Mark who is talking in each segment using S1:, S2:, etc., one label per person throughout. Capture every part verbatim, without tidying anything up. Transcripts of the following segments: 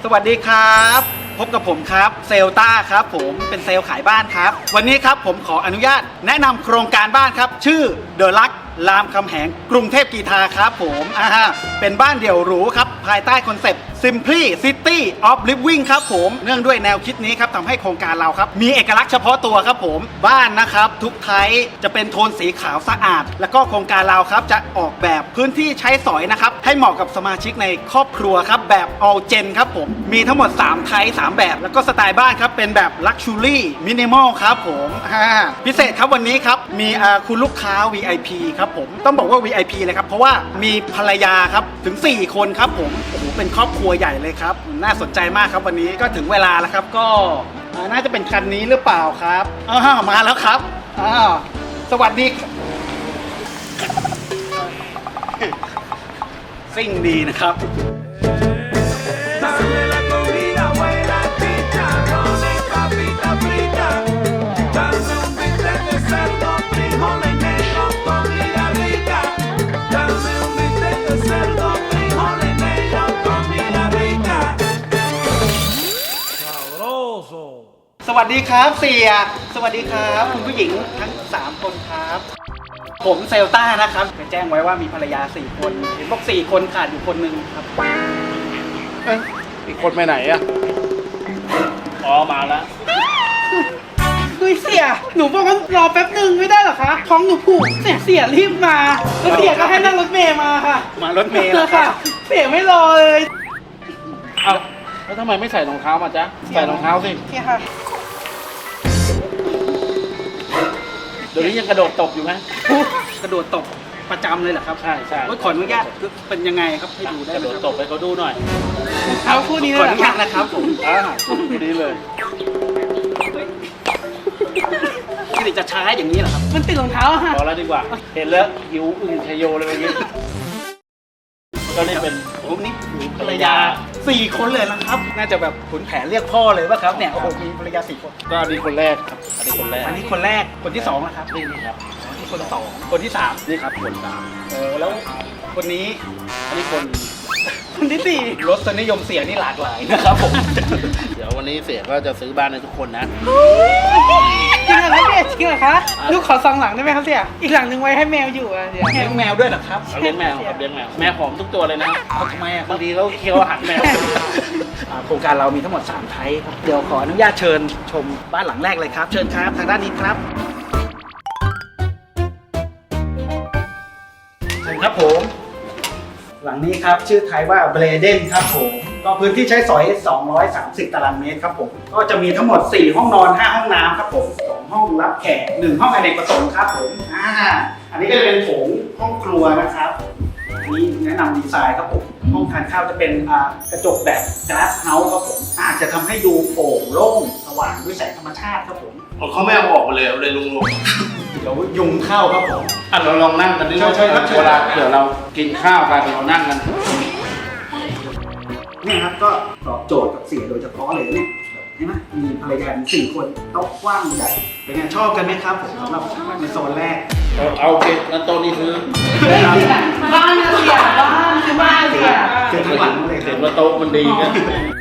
S1: วัสดีครับพบกับผมครับเซลต้าครับผมเป็นเซลล์ขายบ้านครับวันนี้ครับผมขออนุญาตแนะนำโครงการบ้านครับชื่อเดอะลักรามคำแหงกรุงเทพกีฬาครับผมอ่าเป็นบ้านเดี่ยวหรูครับภายใต้คอนเซปต์ Simply City of Living ครับผมเนื่องด้วยแนวคิดนี้ครับทำให้โครงการเราครับมีเอกลักษณ์เฉพาะตัวครับผมบ้านนะครับทุกไทยจะเป็นโทนสีขาวสะอาดแล้วก็โครงการเราครับจะออกแบบพื้นที่ใช้สอยนะครับให้เหมาะกับสมาชิกในครอบครัวครับแบบ all gen ครับผมมีทั้งหมดสามไทยสามแบบแล้วก็สไตล์บ้านครับเป็นแบบ Luxury Minimal ครับผมพิเศษครับวันนี้ครับมีคุณลูกค้า วี ไอ พี ครับผมต้องบอกว่า วี ไอ พี เลยครับเพราะว่ามีภรรยาครับถึงสี่คนครับผมโอ้โหเป็นครอบครัวใหญ่เลยครับน่าสนใจมากครับวันนี้ก็ถึงเวลาแล้วครับก็น่าจะเป็นคันนี้หรือเปล่าครับอ้าวมาแล้วครับอ้าวสวัสดีซิ่งดีนะครับสวัสดีครับเสียสวัสดีครับคุณผู้หญิงทั้งสามคนครับผมเซลต้านะครับจะแจ้งไว้ว่ามีภรรยาสี่คนเห็นบอกสี่คนขาดอยู่คนหนึ่งครับ
S2: เอ้ยอีกคนไปไหนอะอ๋อมาแล้ว
S3: ดุยเสียหนูบอกว่ารอแป๊บหนึ่งไม่ได้หรอคะท้องหนูผูกเสียเสียรีบมาแล้วเสียก็ให้นั่งรถเมย์มาค่ะ
S1: มารถเมย์
S3: ค่ะเสียไม่รอเลย
S2: เอาแล้วทำไมไม่ใส่รองเท้ามาจ๊ะใส่รองเท้าสิ
S3: เสียค่ะ
S2: เดี๋ยวนี้ยังกระโดดตบอยู่ไหม
S1: กระโดดตบประจำเลยเหรอครับ
S2: ใช่ใช่
S1: ขออนุญาตเป็นยังไงครับให้ดูได้
S2: กระโดดตบไปเขาดูหน่อย
S3: เอาคู่นี้เลย
S1: ขออนุญาตนะครับผม
S2: อ่าคู่นี้เลย
S1: นี่จะช้าอย่างนี้เหรอครับ
S3: มันติดรองเท้าค่ะ
S2: พอแล้วดีกว่าเห็นแล้วหิวอึ่งชโยเลยเมื่อกี้ก็นี่เป็น
S1: ผมนี่มีภรรยาสี่คนเลยนะครับน่าจะแบบขุนแผนเรียกพ่อเลยป่ะครับเนี่ยโอ้โหมีภรรยาสี่คน
S2: ก็อันนี้คนแรกครับอันนี้คนแรก
S1: อันนี้คนแรกคนที่สองนะครับ
S2: นี่นี่ครับ
S1: นี่คนสองคนที่สาม
S2: นี่ครับคนสาม
S1: โอ้แล้วคนนี้
S2: อันนี้คน
S3: คนที่สี่
S1: รสนิยมเสียนี่หลากหลายนะครับผม
S2: เดี๋ยววันนี้เสียก็จะซื้อบ้านให้ทุกคนนะ
S3: จริงเหรอคะเสียจริงเหรอคะลูกขอสองหลังได้ไหมครับเสียอีกหลังหนึ่งไว้ให้แมวอยู่อ่ะเสีย
S1: เลี้ยงแมวด้วยเหรอครับ
S2: เลี้ยงแมวครับเลี้ยงแมวแมวหอมทุกตัวเลยนะ
S1: ทำไมอ่ะ
S2: บางทีเขาเคี้ยวอาหารแมว
S1: โครงการเรามีทั้งหมดสามไทยครับเดี๋ยวขออนุญาตเชิญชมบ้านหลังแรกเลยครับเชิญครับทางด้านนี้ครับเชิญครับผมหลังนี้ครับชื่อไทยว่าเบรเดนครับผมก็พื้นที่ใช้สอยสองร้อยสามสิบตารางเมตรครับผมก็จะมีทั้งหมดสี่ห้องนอนห้าห้องน้ำครับผมสองห้องรับแขกหนึ่งห้องอเนกประสงค์ครับผมอ่าอันนี้ก็จะเป็นโถงห้องครัวนะครับอันนี้แนะนำดีไซน์ครับผมห้องทานข้าวจะเป็นกระจกแบบกลาสเฮาส์ครับผมอาจจะทำให้ดูโปร่งโล่งสว่างด้วยแสงธรรมชาติครับผม
S2: เขาไม่เอาออกมาเลยเอาเลยลุงลง
S1: เดี๋ยวยุงเข้าครับผม
S2: อ่ะเราลองนั่งกันดิใช่ครับเวลาเดี๋ยวเรากินข้าวกันเรานั่งกัน
S1: เนี่ยครับก็ตอบโจทย์กับเสียโดยเฉพาะเลยเนี่ยเห็นไหมมีภรรยาสี่คนโต๊ะกว้างใหญ่เป็นไงชอบกันไหมครับผมสำหรับในโซนแรก
S2: เอาโอเคงั้นโต๊ะนี้คือ
S3: บ้านเสียบ้านคือบ้านเสีย
S1: คือทั้งหลังเลย
S2: เห็นว่าโต๊ะมันดีกัน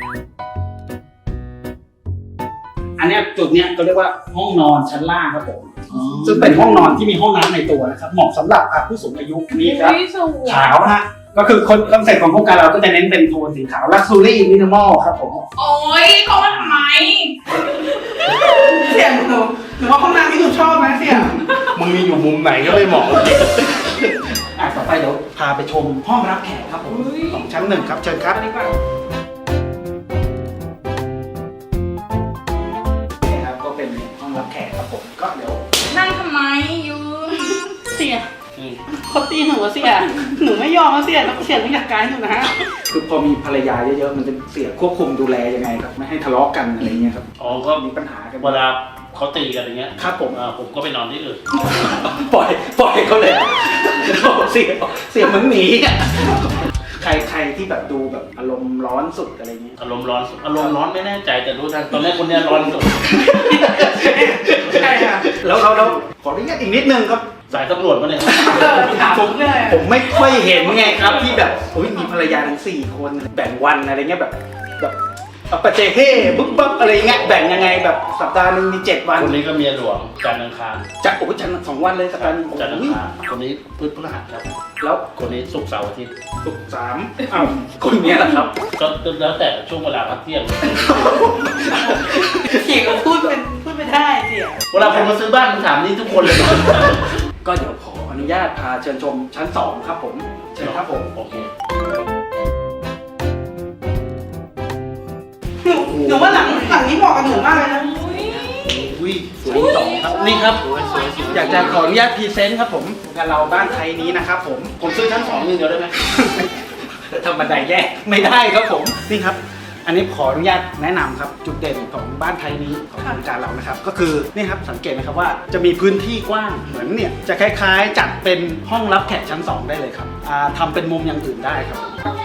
S1: อันนี้จุดเนี้ยก็เรียกว่าห้องนอนชั้นล่างครับผมซึ่งเป็นห้องนอนที่มีห้องน้ำในตัวนะครับเหมาะสำหรับผู้สูงอายุนี่ครับขาวนะฮะก็คือคอนเซ็ปต์ของโครงการเราก็จะเน้นเป็นโทนสีขาว Luxury Minimal ครับผม
S3: โอ้ยเขามาทำไมเสียงหนูหนูว่าห้องน้ำที่หนูชอบนะเสียง
S2: มึงมีอยู่มุมไหนก็ไม่เหมาะ
S1: อ่ะต่อไปเดี๋ยวพาไปชมห้องรับแขกครับผมของชั้นหนึ่งครับเชิญครับนี่ครับก็เป็นห้องรับแขกครับผมก็เดี๋ยว
S3: นั่งทำไมยืนเสียเขาตีหนูเสียหนูไม่ยอมเสียต้องเสียต้องอยากการหนูนะฮะ
S1: คือพอมีภรรยาเยอะๆมันจะเสียควบคุมดูแลยังไงครับไม่ให้ทะเลาะกันอะไรเงี้ยครับ
S2: อ๋อก็
S1: มีปัญหากัน
S2: เวลาเขาตีกันอย่างเงี้ย
S1: ครับผม
S2: ผมก็ไปนอนที่อื่น
S1: ปล่อยปล่อยเขาเลยเสียเสียเหมือนหนีใครใครที่แบบดูแบบอารมณ์ร้อนสุดอะไรเงี้ย
S2: อารมณ์ร้อนอารมณ์ร้อนไม่แน่ใจแต่รู้ทันตอนแรกคนเนี้ยร้อนสุด
S1: ใช่ค่ะแล้วเราเราขออนุญาตอีกนิดนึงครับ
S2: สายตำรวจมาเนี่ย
S1: ผมผมไม่ค่อยเห็นไงครับที่แบบโอ้ยมีภรรยาทั้งสี่คนแบ่งวันอะไรเงี้ยแบบแบบเอาปะเจเฮ่บึ๊บบึ๊บอะไรเงี้ยแบ่งยังไงแบบสัปดาห์หนึ่งมีเจ็ดวัน
S2: คนนี้ก็เมียหลวงจันทร์อังคาร
S1: จะโอ้ยจันทร์สองวันเลยสัปดาห์หนึง
S2: จันทร์อัง
S1: โอ้ย
S2: คารคนนี้พืชพฤหัสครับ
S1: แล้ว
S2: คนนี้ศุกร์เสาร์อาทิตย์
S1: ศุกร์สามอ้าวคนเนี้ยแหละครับ
S2: ก็แล้วแต่ช่วงเวลาพักเที่ยง
S3: เสียก็พูดเป็นพูดไม่ได้เสีย
S2: เวลาผมมาซื้อบ้านผมถามนี่ทุกคนเลย
S1: ก็เดี๋ยวขออนุญาตพาเชิญชมชั้นสองครับผมเชิญครับผม
S2: โอเค
S3: หนูหนูว่าหลังหลังนี้เหมาะกับหนูมากเลยนะ
S1: อุ้ย
S2: สวยสองครับนี่ครับสวยสวยสวย
S1: อยากจะขออนุญาตพรีเซนต์ครับผมงานเราบ้านไทยนี้นะครับผม
S2: ผมซื้อชั้นสองอย่างเดียวได้ไหม
S1: ธรรมดาแย่ไม่ได้ครับผมนี่ครับ อันนี้ขออนุญาตแนะนำครับจุดเด่นของบ้านไทยนี้ของโครงการเรานะครับ ก็คือนี่ครับสังเกตไหมครับว่าจะมีพื้นที่กว้างเหมือนเนี่ยจะคล้ายๆ จัดเป็นห้องรับแขกชั้นสองได้เลยครับอ่าทำเป็นมุมอย่างอื่นได้ครับ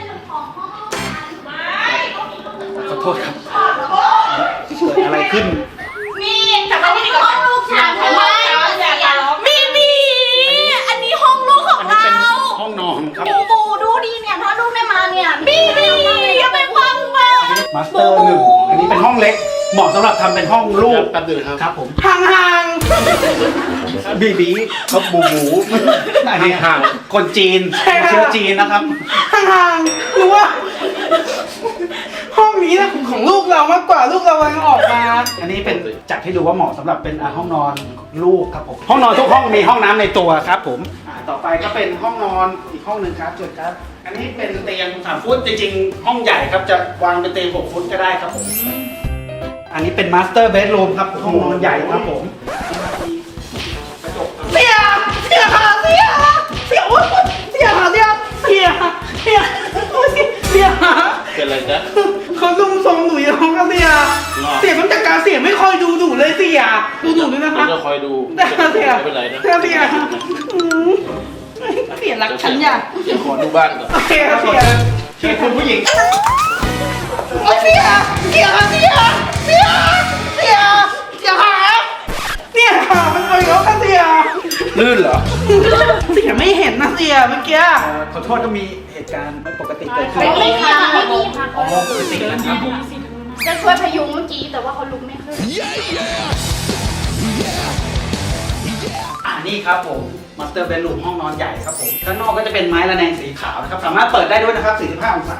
S1: ขอโทษครับเกิดอะไรขึ้น
S4: มีแต่ว่านี่ห้องลูกฉันทำไมมีมีอันนี้ห้องลูกของ
S1: อันนี้
S4: เรา
S1: เป็นห้องนอนครับ
S4: บูบูดูดีเนี่ยถ้าลูกได้มาเนี่ยมีมีอย่าไปฟังมา
S1: มาสเตอร์หนึ่งอันนี้เป็นห้องเล็กเหมาะสำหรับทำเป็นห้องลูก
S2: แป๊บนึงครับ
S1: ครับผม
S3: ห่างห่าง
S1: บีบีเขาบูบูอันนี้ห่างคนจีนเชื้อจีนนะครับ
S3: ห่างห่างหนูว่า ห้องนี้นะของลูกเรามากกว่าลูกเรากำลังออกมา
S1: อันนี้เป็นจัดให้ดูว่าเหมาะสำหรับเป็นอ่าห้องนอนลูกครับผมห้องนอนทุกห้องมีห้องน้ำในตัวครับผมอ่าต่อไปก็เป็นห้องนอนอีกห้องหนึ่งครับจุดครับ อันนี้เป็นเตียงสามฟุตจริงๆ ห้องใหญ่ครับจะวางเป็นเตียงหกฟุตก็ได้ครับผมอันนี้เป็นมาสเตอร์เบดรูมครับห้องนอนใหญ่ครับผมกระจก
S3: เสียเสียค่ะเสียเสียโอ๊ยเสียค่ะเสียเสียเสียโอ๊ยเสียเสียค่ะ
S2: เป็นอะไรจ๊ะ
S3: เขาลุมทรงหนูอย่างเขาเสียเสียมันจากการเสียไม่คอยดูหนูเลยเสียดูหนูด้วยนะ
S2: ผม
S3: คะ
S2: จะคอยดู
S3: ได้เสีย
S2: ไม่เป็นไรนะ
S3: ได้เสียอืมเสียรักฉันอย่า
S2: เดี๋ยวขอดูบ้านก่อน
S3: โอเคค่ะเสีย
S1: เชิญคุณผู้หญิง
S3: โอ๊ยเสียเสียค่ะเสียเสียเสียเสียค่ะเนี่ยค่ะมันไปแล้วค่ะเสีย
S2: ลื่นเหรอ
S3: เสียไม่เห็นนะเสียเมื่อกี้
S1: เอ่อขอโทษก็มีเหตุการณ์ไม่ปกติเกิดขึ้น
S4: ไม่มีค่ะไม่มีค่ะ
S1: อ๋อปกตินะครับ
S4: จะช่วยพยุงเมื่อกี้แต่ว่าเขาลุกไม่ขึ้น
S1: อ่านี่ครับผมมาสเตอร์เบดรูมห้องนอนใหญ่ครับผมข้างนอกก็จะเป็นไม้ระแนงสีขาวนะครับสามารถเปิดได้ด้วยนะครับสี่สิบห้าองศา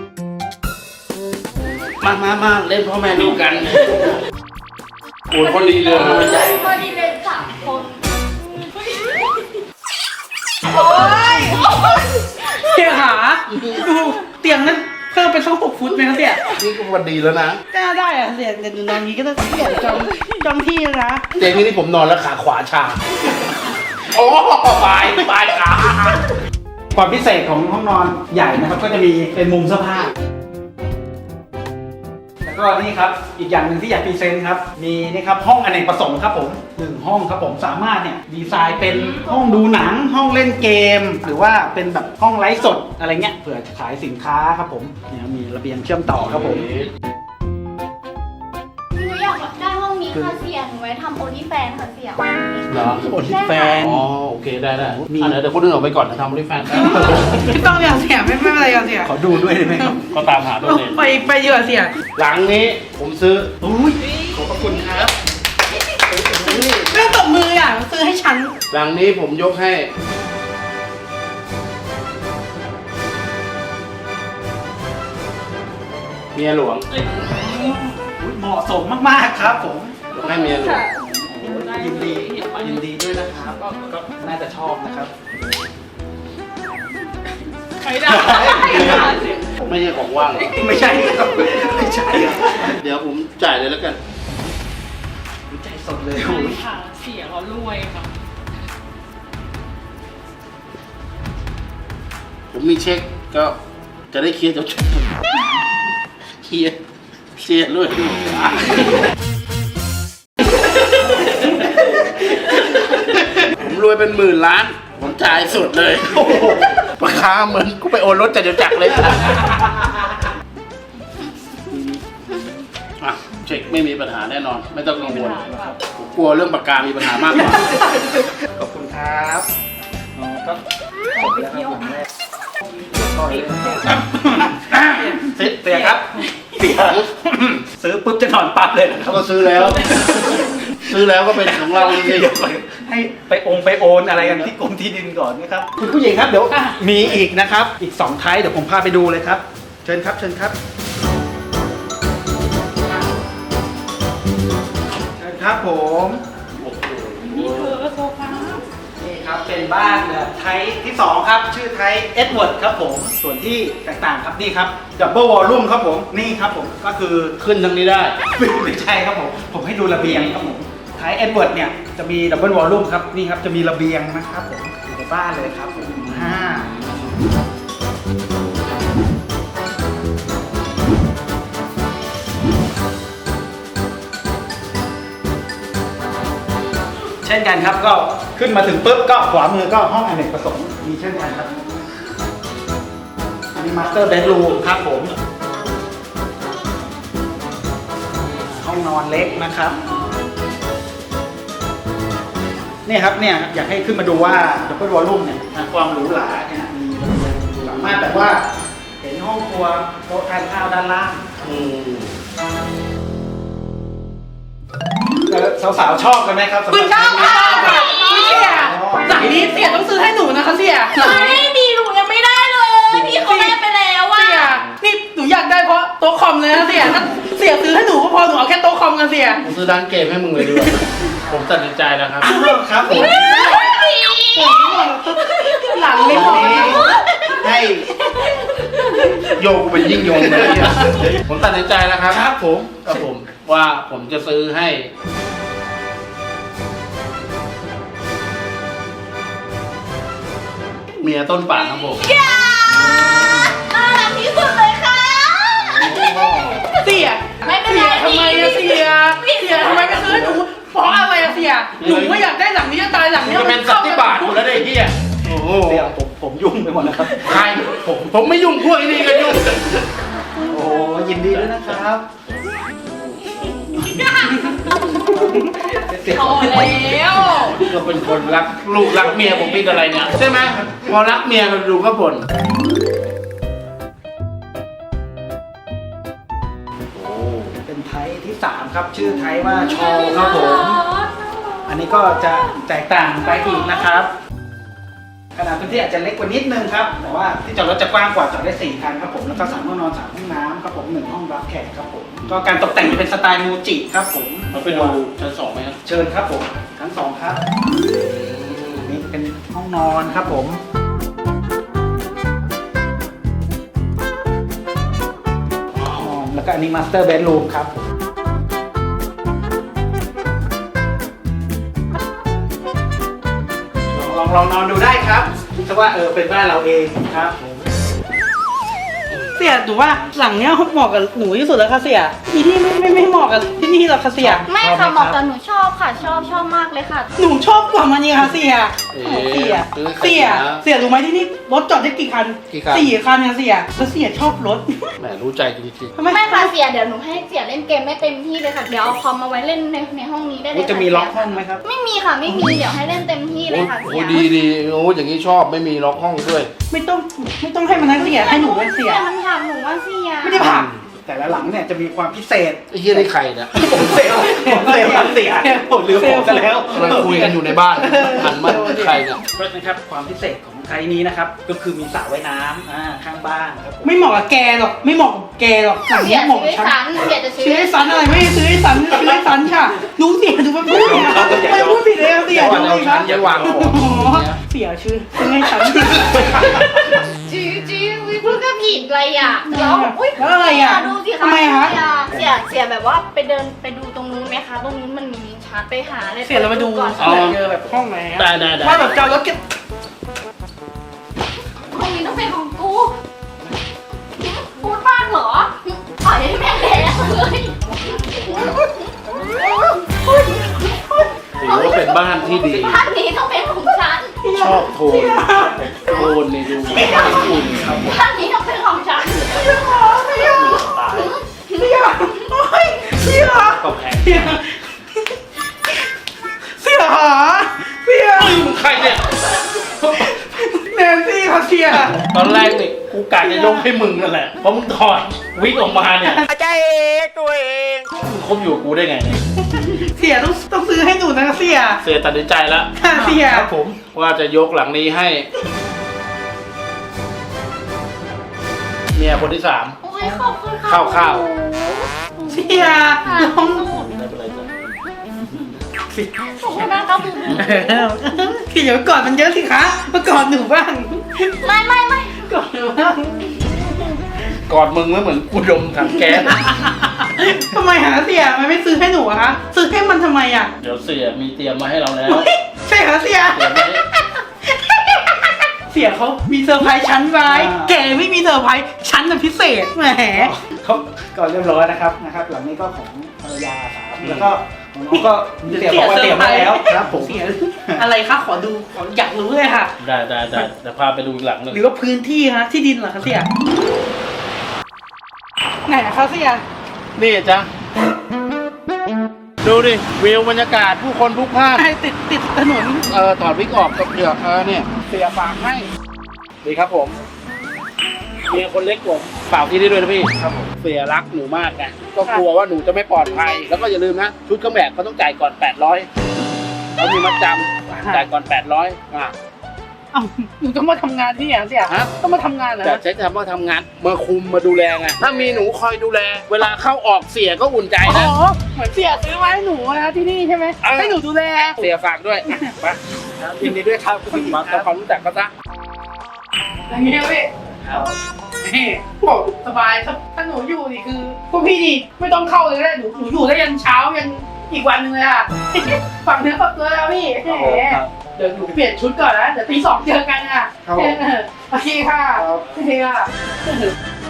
S2: มามามาเล่นพ่อแม่ลูกกันโอ้ยคนดีเลย
S4: ใหญ่พอดีเลยสามคนโอ้ย
S3: เสียหาดูเตียงนั้นเพิ่มเป็นสักหกฟุตไหมครับเสีย
S2: นี่ก็วันดีแล้วนะ
S3: ก็ได้อะเสียเดี๋ยวหนูนอนอย่างนี้ก็ต้องเสียจองจองที่แล้วนะ
S2: เตียงนี้นี่ผมนอนแล้วขาขวาชา โอ้ปลายปลายขา
S1: ความพิเศษของห้องนอนใหญ่นะครับก็จะมีเป็นมุมเสื้อผ้าแล้วก็นี่ครับอีกอย่างหนึ่งที่อยากพรีเซนต์ครับมีนี่ครับห้องอเนกประสงค์ครับผมหนึ่งห้องครับผมสามารถเนี่ยดีไซน์เป็นห้องดูหนังห้องเล่นเกม หรือว่าเป็นแบบห้องไลฟ์สดอะไรเงี้ยเผื่อขายสินค้าครับผมเนี่ยมีระเบียงเชื่อมต่อครับผม
S4: หนูอยากได้ห้องนี้ค่ะเสียหนูไว้ทำโอลิแฟนค่ะเสีย
S2: เหรอ
S1: โอลิแฟน
S2: อ๋อโอเคได้ได้
S1: มี
S2: อ่ะเดี๋ยวเดี๋ยวคนอื่นออกไปก่อนนะทำบริแฟน
S3: ไม่ต้องอย่างเสียไม่ไม่เป็นไรอย่างเสีย
S1: ขอดูด้วยได้ไหมครับ
S2: ก็ตามหาตัวเอง
S3: ไปไปเยอะเสีย
S2: หลังนี้ผมซื้อ
S1: อุ้ยขอบพระคุณครับ
S3: ไม่ต้องตบมืออ่ะซื้อให้ฉัน
S2: หลังนี้ผมยกให้ เมียหลวง
S1: อุ๊ยเหมาะสมมากๆครับผม
S2: ยกให้เมียหลวง
S1: ยินดียินดีด้วยนะครับก็ก็น่าจะชอบนะครับ
S3: ไม่ได้
S2: ไม่ใช่ของว่าง
S1: ไม่ใช่ครับไม่ใช่ครับ
S2: เดี๋ยวผมจ่ายเลยแล้วกัน
S1: ใจสดเลยโอ้ย
S5: ค่ะเสียเขารวยค่ะ
S2: ผมมีเช็คก็จะได้เคลียร์จบเคลียร์เคลียร์ด้วยผมรวยเป็นหมื่นล้าน ผมจ่ายสุดเลยโอ้โหราคาเหมือนกูไปโอนรถจากเดี๋ยวจักรเลยอ่ะเช็คไม่มีปัญหาแน่นอน ไม่ต้องกังวลผมกลัวเรื่องปากกามีปัญหามากกว่า
S1: ขอบคุณครับอ๋อก็จบแล้วครับผมเสียครับเสีย ซื้อปุ๊บจะนอนปั๊บเลยนะครับ
S2: ก็ซื้อแล้ว ซื้อแล้วก็เป็นของเราเลย
S1: เดี๋ยวให้ไปองค์ไปโอนอะไรกันที่กรมที่ดินก่อนนะครับคุณผู้หญิงครับเดี๋ยวมีอีกนะครับ อีกสองไทป์เดี๋ยวผมพาไปดูเลยครับ เชิญครับเชิญครับเชิญครับผม
S3: มีเธอโซฟา
S1: นี่ครับเป็นบ้านแบบไทป์ที่สองครับชื่อไทป์เอ็ดเวิร์ดครับผมส่วนที่แตกต่างครับนี่ครับดับเบิลวอลลุ่มครับผมนี่ครับผมก็คือ
S2: ขึ้นทางนี้ได้
S1: ไม่ใช่ครับผมผมให้ดูระเบียงครับผมไทป์เอ็ดเวิร์ดเนี่ยจะมีดับเบิลวอลลุ่มครับนี่ครับจะมีระเบียงนะครับผมอยู่ในบ้านเลยครับผมห้าเช่นกันครับก็ขึ้นมาถึงปุ๊บก็ขวามือก็ห้องอเนกประสงค์มีเช่นกันครับอันนี้มาสเตอร์เบดรูมครับผมห้องนอนเล็กนะครับนี่ครับเนี่ยอยากให้ขึ้นมาดูว่าดับเบิลวอลลุ่มเนี่ยความหรูหราเนี่ยมีสามารถแบบว่าเห็นห้องครัวโต๊ะทานข้าวด้านล่าง
S2: อืม
S1: สาวๆชอบกันไหมครับสำหรับ
S3: คุณชอบค่ะคุณเสียหลังนี้เสียต้องซื้อให้หนูนะคะเสียหลัง
S4: ไม่
S3: นี้
S4: ดีหนูยังไม่ได้เลยพี่เขาได้ไปแล้วว่ะ
S3: เสียนี่หนูอยากได้เพราะโต๊ะคอมเลยนะเสียถ้าเสียซื้อให้หนูก็พอหนูเอาแค่โต๊ะคอมกันเสีย
S2: ผมซื้อร้านเกมให้มึงเลยดีกว่าผมตัดสินใจแล้วครับ
S1: ครับผม
S3: หลังไม่พอ
S1: ให้
S2: โยกเป็นยิ่งโยงเลยเนี่ยผมตัดสินใจแล้วครับ
S1: ครับผม
S2: ครับผมว่าผมจะซื้อให้เมียต้นป่าครับผม
S4: อย่าน่ารักที่สุดเลยค่ะ
S3: เสีย
S4: ไม่เป็นไร
S3: ทำไมอะเสียเสียทำไมไม่ซื้อให้หนูเพราะอะไรอะเสียหนูก็อยากได้หลังนี้จะตายหลัง
S2: มัน
S3: นี้
S2: จะเป็นสัตว์ที่บาทอยู่แล้วได้เฮียโอ้โห
S1: เดี๋ยวผมผมยุ่งไปหมดแล้วครับ
S2: ใครผมผมไม่ยุ่งพวกไอ้นี่ก็ยุ่ง
S1: โอ้ยินดีด้วยนะครับ
S4: พอแล้ว
S2: ก็เป็นคนรักลูกรักเมียผมเป็นอะไรเนี่ยใช่ไหมพอรักเมียก็ดูก็บ่นโอ้
S1: เป็นไทป์ที่สามครับชื่อไทป์ว่าชอลครับผม อันนี้ก็จะแตกต่างไปอีกนะครับขนาดพื้นที่อาจจะเล็กกว่านิดนึงครับแต่ว่าที่จอดรถจะกว้างกว่าจอดได้สี่คันครับผมแล้วก็สามห้องนอนสามห้องน้ำครับผมหนึ่งห้องรับแขกครับผมก็การตกแต่งจะเป็นสไตล์มูจิครับผม
S2: เราไปดูชั้นสองไหมครับ
S1: เชิญครับผมทั้งสองครับนี่เป็นห้องนอนครับผมห้องนอนแล้วก็อันนี้มาสเตอร์เบดรูมครับลองลองนอนดูได้ครับคิดว่าเออเป็นบ้านเราเองครับ
S3: เสียหนูว่าหลังเนี้ยเหมาะกับหนูที่สุดแล้วค่ะเสียมีที่ไม่ไม่ไม่เหมาะกับที่นี่หรอกค่ะเสีย
S4: ไม่ค่ะเหมาะกับหนูชอบค่ะ ชอบชอบมากเลยค่ะ
S3: หนูชอบกว่ามันนี่ค่ะเสีย
S2: เอ๊
S3: โอ้เสีย
S2: ะซื้อ
S3: เสียเสียรู้ไหมที่นี่รถจอดได้กี่คัน
S2: กี่คัน
S3: สี่คันเนี่ยเสียแล้วเสียชอบรถ
S2: แหมรู้ใจจริง
S3: ทำไม
S4: ไม่ค่ะเสียเดี๋ยวหนูให้เสียเล่นเกมไม่เต็มที่เลยค่ะ เดี๋ยวเอาคอมมาไว้เล่นในในห้องนี้ได้เลย
S1: ว่า
S4: ค่ะ
S1: จะมีล็อกห้องไหมครับ
S4: ไม่มีค่ะไม่มีเดี๋ยวให้เล่นเต็มที่
S2: ๆ
S4: เลย
S2: โอ้
S4: ค่ะ
S2: โห
S4: เสีย
S2: ดีดีโอ้อย่างนี้ชอบไม่มีล็อกห้องด้วย
S3: ไม่ต้องไม่ต้องให้มันนั่งเสียให้หนูเป็นเสีย
S4: แต่มันถามหนูว่าเสีย
S3: ไม่ได้ผ่าน
S1: แต่ละหลังเนี่ยจะมีความพิเศษ
S2: ไอ้เฮียนี่ใครเนี่ย
S1: ผมเซลลผมเซลลครับเสียผมลืมผมซะแล้ว
S2: กำลังคุยกันอยู่ในบ้านหันมาใครเนี่ย
S1: เพราะนะครับความพิเศษของไทยนี้นะครับก็คือมีสระว่ายน้ำอ่าข้างบ้านครับผม
S3: ไม่เหมาะกับแกหรอกไม่เหมาะกับแกหรอกหลัง
S4: เสี
S3: เนี้
S4: ย
S3: ยเหมาะ
S4: ซื้อ
S3: กับ
S4: ให้
S3: ฉัน
S4: สันเสียจะซื้
S3: ซื้อให้สันอะไรไม่ได้ซื้อให้สันซื้อให้สันค่ะดูเสียดูมันพูดเนี่ยไม่พูดผิดเลยเสียดูเลยครับ
S2: อย่าวางของ
S3: อ๋อเสียชื่อซื้อให้ฉัน
S4: จีจีวิพูดก็ผิดอะไรอ่ะแล้วอุ้ย
S3: แล้วอะไรอ่ะ
S4: ดูสิคะ
S3: ทำไมคะ
S4: เสียเสียแบบว่าไปเดินไปดูตรงนู้นไหมคะตรงนู้นมันมีลิ้นชักไปหาอะไร
S3: เสียเรามาดู
S4: ก่อน
S3: เสียเจอแบบห้องไหนอะ
S2: ได้ได้ได้
S3: ว่าแบบจะเอารถเก็บ
S4: ห้องนี้ต้องเป็นของกูพูดบ้างเหรอปล่อยให้แม่งแดงเลย
S2: ถือว่าเป็นบ้านที่ดี
S4: บ้านนี้ต้องเป็นของฉัน
S2: ชอบโทนโทนนี่ดูอุ่นครับผม
S4: บ้านนี้ต้องเป็นของฉัน
S3: เสียเสียโอ้ยเสีย
S2: ก็แพง
S3: เสียเสียหาเสีย
S2: มึงใครเนี่ย
S3: แนนซี่ค่ะเสีย
S2: ตอนแรกนี่กูกูกะจะยกให้มึงนั่นแหละเพราะมึงถอดวิกออกมาเนี่ย
S1: อาจารย์เอกตัวเอง
S2: มึงคบอยู่กับกูได้ไงเนี่ย
S3: เสียต้องต้องซื้อให้หนูนะเสีย
S2: เสียตัดสินใจแล้ว
S3: ค่ะเสีย
S1: ครับผม
S2: ว่าจะยกหลังนี้ให้เมียคนที่สาม
S4: โอ้ยขอบคุณค่ะ
S2: ข้าวข้าว
S3: เสียน้อง
S2: ไม่เป็นไรจ้ะ
S4: ขอบคุณนะครับผม
S3: เสียเดี๋ยวก่อนมันเยอะสิคะมาก่อนหนูบ้าง
S4: ไม่ไม่ไม่
S3: ก่อนหนูบ้าง
S2: กอดมึงไม่เหมือนกูดมถังแก๊ส
S3: ทำไมหาเสียมันไม่ซื้อให้หนูอะคะซื้อให้มันทำไมอะ
S2: เดี๋ยวเสียมีเตรียมมาให้เราแล้ว
S3: เฮ้ยใช่เหรอเสีย
S2: เตรียมไว้
S3: เสียเขามีเซอร์ไพรส์ชั้นไว้แกไม่มีเซอร์ไพรส์ชั้นน่ะพิเศษแหม
S1: เขาก่อนเรียบร้อยนะครับนะครับ หลังนี้ก็ของภรรยาครับแล้วก็ของน้องก็เตรียมบอกว่าเตรียมไว้แล้วครับผม
S3: เสียอะไรคะขอดูขออยากรู้เลยค่ะ
S2: ได้ได้ได้เดี๋ยวพาไปดูอีกหลังหนึ่ง
S3: หรือว่าพื้นที่ฮะที่ดินเหรอคะเสียไหนนะคะเสีย
S2: นี่จ้ะดูดิวิวบรรยากาศผู้คนพลุกพล่าน
S3: ไอ้ติดติดถนน
S2: เออถอดวิกออกกับเปลือกเออเนี่ยเสียฝากให้ดีครับผมเมียคนเล็กผมฝากที่นี่ด้วยนะพี่ครับผมเสียรักหนูมากไงก็กลัวว่าหนูจะไม่ปลอดภัยแล้วก็อย่าลืมนะชุดเครื่องแบบเขาต้องจ่ายก่อนแปดร้อยเขามีมัดจำจ่ายก่อนแปดร้อยอ่ะ
S3: เอ้าหนูต้องมาทำงานที่ไหนเสีย
S2: ฮะ
S3: ต้องมาทำงานเหรอ
S2: แต่ใช้คำว่าทำงานมาคุมมาดูแลไงถ้ามีหนูคอยดูแล เวลาเข้าออกเสียก็อุ่นใจ
S3: อ๋
S2: นะ
S3: อเหมือนเสียซื้อมาให้หนูนะที่นี่ใช่ไหม
S2: เออ
S3: ให้หนูดูแล
S2: เสียฝากด้วยไป
S1: ยินดีด้วยครับคุณผู้หญิง
S2: มา
S1: ครั
S2: ทำ
S1: บ
S2: ความรู้จักก็ซะ
S3: อย่างเงี้ยพี่นี่บอกสบายถ้าถ้าหนูอยู่นี่คือพวกพี่นี่ไม่ต้องเข้าเลยก็ได้หนูหนูอยู่ได้ยันเช้ายันอีกวันหนึงเลยอ่ะ ฝังเนื้อฝักตัวแล้วพี่แหมเดี๋ยวหนูเปลี่ยนชุดก่อนนะเดี๋ยวตีสองเจอกันอ่ะ
S1: ครับผม
S3: เออโอเคค่ะ
S1: ครับ
S3: โอเคค่ะ